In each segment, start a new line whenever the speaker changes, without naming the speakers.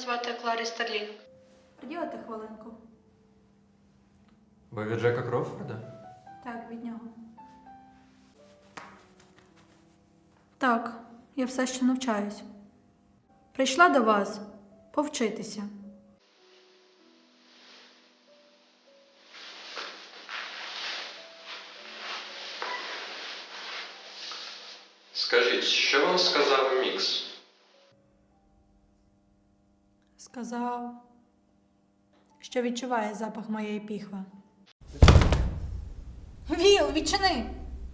звати Кларі Старлінг.
Приділите хвилинку.
Ви від Джека Кроуфорда?
Так, від нього. Так, я все ще навчаюсь. Прийшла до вас повчитися.
Скажіть, що вам сказав Мікс?
Сказав, що відчуває запах моєї піхви. Віл, відчини!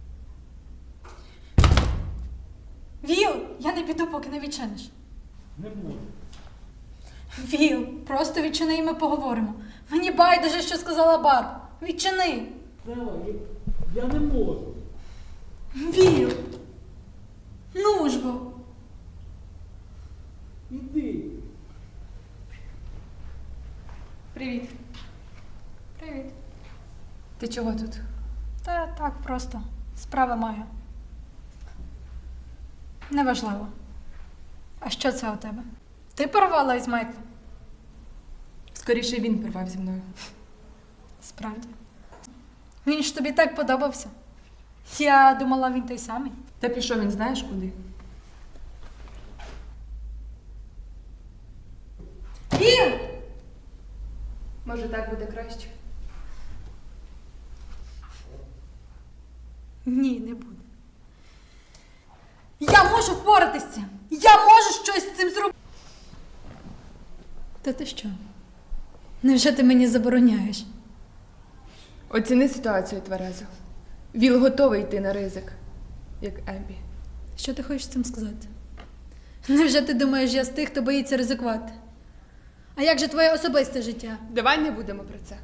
Віл, я не піду, поки не відчиниш.
Не буду.
Віл, просто відчини і ми поговоримо. Мені байдуже, що сказала Барб. Відчини!
Стелла, я не можу.
Віл! Ну ж бо!
Іди.
Привіт.
Привіт.
Ти чого тут?
Та так просто. Справи маю. Неважливо. А що це у тебе? Ти порвала із Майклом?
Скоріше він порвав зі мною.
Справді. Він ж тобі так подобався. Я думала, він той самий.
Та пішов він знаєш куди?
Він!
Може, так буде краще?
Ні, не буде. Я можу впоратися з цим! Я можу щось з цим зробити! Та ти що? Невже ти мені забороняєш?
Оціни ситуацію тверезо. Віл готовий йти на ризик, як Еббі.
Що ти хочеш цим сказати? Невже ти думаєш, я з тих, хто боїться ризикувати? А як же твоє особисте життя?
Давай не будемо про це.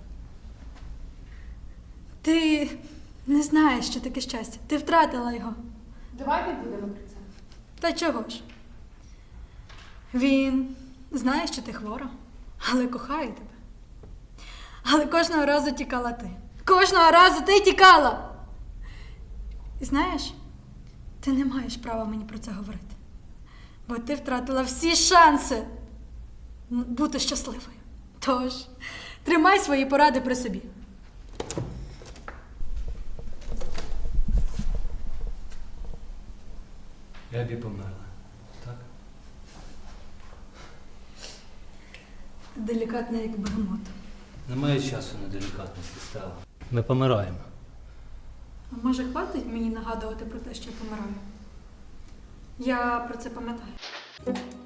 Ти не знаєш, що таке щастя. Ти втратила його.
Давай не будемо про це.
Та чого ж? Він знає, що ти хвора, але кохає тебе. Але кожного разу тікала ти. Кожного разу ти тікала! І знаєш, ти не маєш права мені про це говорити. Бо ти втратила всі шанси бути щасливою. Тож, тримай свої поради при собі.
Ебі померла. Так?
Делікатна, як бегемот.
Немає часу на делікатності, Стелла. Ми помираємо.
А може, хватить мені нагадувати про те, що я помираю? Я про це пам'ятаю.